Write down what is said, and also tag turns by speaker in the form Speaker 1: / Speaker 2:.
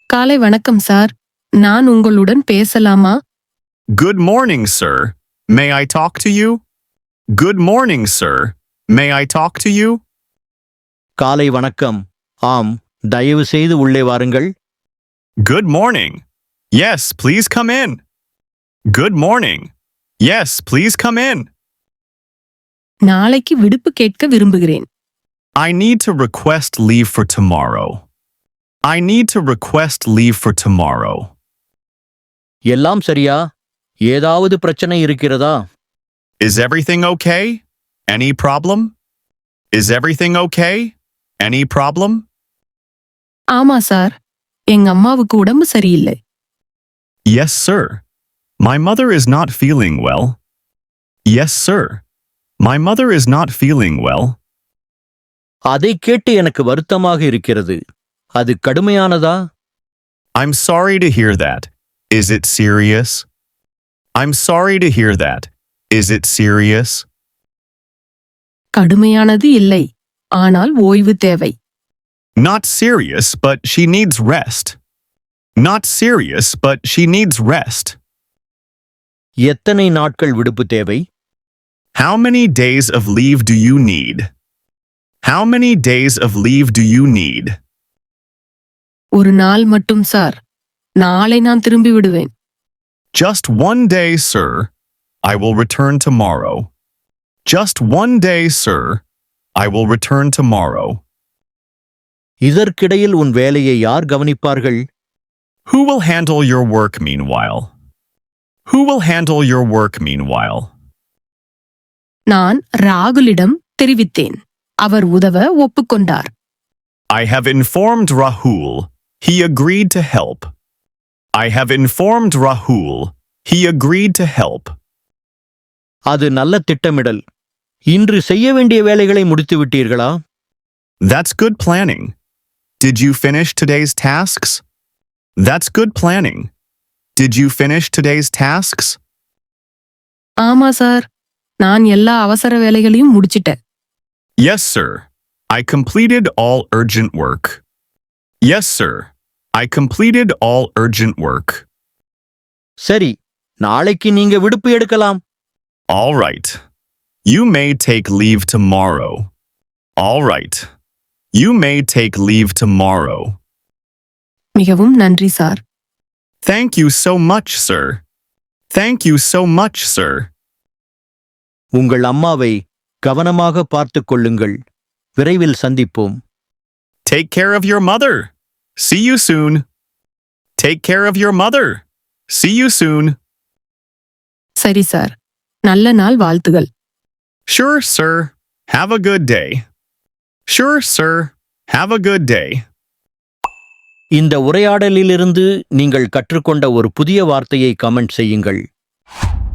Speaker 1: காலை வணக்கம் சார். நான் உங்களுடன் பேசலாமா?
Speaker 2: Good morning, sir. May I talk to you? Good morning, sir. May I talk to you?
Speaker 3: காலை வணக்கம். ஆம், தயவு செய்து உள்ளே வாருங்கள்.
Speaker 2: Good morning. Yes, please come in. Good morning. Yes, please come in.
Speaker 1: நாளைக்கு விடுப்பு கேட்க விரும்புகிறேன்.
Speaker 2: I need to request leave for tomorrow. I need to request leave for tomorrow.
Speaker 3: எல்லாம் சரியா? ஏதாவது பிரச்சனை இருக்கிறதா?
Speaker 2: Is everything okay? Any problem? Is everything okay? Any problem?
Speaker 1: ஆமா சார். எங்க அம்மாவுக்கு உடம்பு சரியில்லை.
Speaker 2: Yes, sir. My mother is not feeling well. Yes, sir. My mother is not feeling well.
Speaker 3: அதை கேட்டு எனக்கு வருத்தமாக இருக்கிறது. அது கடுமையானதா?
Speaker 2: I'm sorry to hear that. Is it serious? I'm sorry to hear that. Is it serious?
Speaker 1: கடுமையானது இல்லை. ஆனால் ஓய்வு தேவை.
Speaker 2: Not serious, but she needs rest. Not serious, but she needs rest.
Speaker 3: எத்தனை நாட்கள் விடுப்பு தேவை?
Speaker 2: How many days of leave do you need? How many days of leave do you need?
Speaker 1: ஒரு நாள் மட்டும் சார். நாளை நான் திரும்பி விடுவேன்.
Speaker 2: Just one day, sir. I will return tomorrow. Just one day, sir. I will return tomorrow.
Speaker 3: இதற்கிடையில் உன் வேலையை யார் கவனிப்பார்கள்?
Speaker 2: Who will handle your work meanwhile? Who will handle your work meanwhile?
Speaker 1: நான் ராகுலிடம் தெரிவித்தேன். அவர் உதவ ஒப்புக்கொண்டார்.
Speaker 2: I have informed Rahul. He agreed to help. I have informed Rahul. He agreed to help.
Speaker 3: அது நல்ல திட்டமிடல். இன்று செய்ய வேண்டிய வேலைகளை முடித்து விட்டீர்களா?
Speaker 2: That's good planning. Did you finish today's tasks? That's good planning. Did you finish today's tasks?
Speaker 1: ஆமா சார். நான் எல்லா அவசர வேலைகளையும் முடிச்சிட்டேன்.
Speaker 2: Yes, sir. I completed all urgent work. Yes, sir. I completed all urgent work.
Speaker 3: சரி, நாளைக்கு நீங்க விடுப்பு எடுக்கலாம்.
Speaker 2: All right. You may take leave tomorrow. All right. You may take leave tomorrow.
Speaker 1: மிகவும் நன்றி sir.
Speaker 2: Thank you so much, sir. Thank you so much, sir.
Speaker 3: உங்கள் அம்மாவை கவனமாக பார்த்துக் கொள்ளுங்கள். விரைவில் சந்திப்போம்.
Speaker 2: Take care of your mother. See you soon. Take care of your mother. See you soon.
Speaker 1: சரி சார். நல்ல நாள் வாழ்த்துகள்.
Speaker 2: Sure, sir. Have a good day. Sure, sir. Have a good day.
Speaker 3: இந்த உரையாடலிலிருந்து நீங்கள் கற்றுக்கொண்ட ஒரு புதிய வார்த்தையை கமெண்ட் செய்யுங்கள்.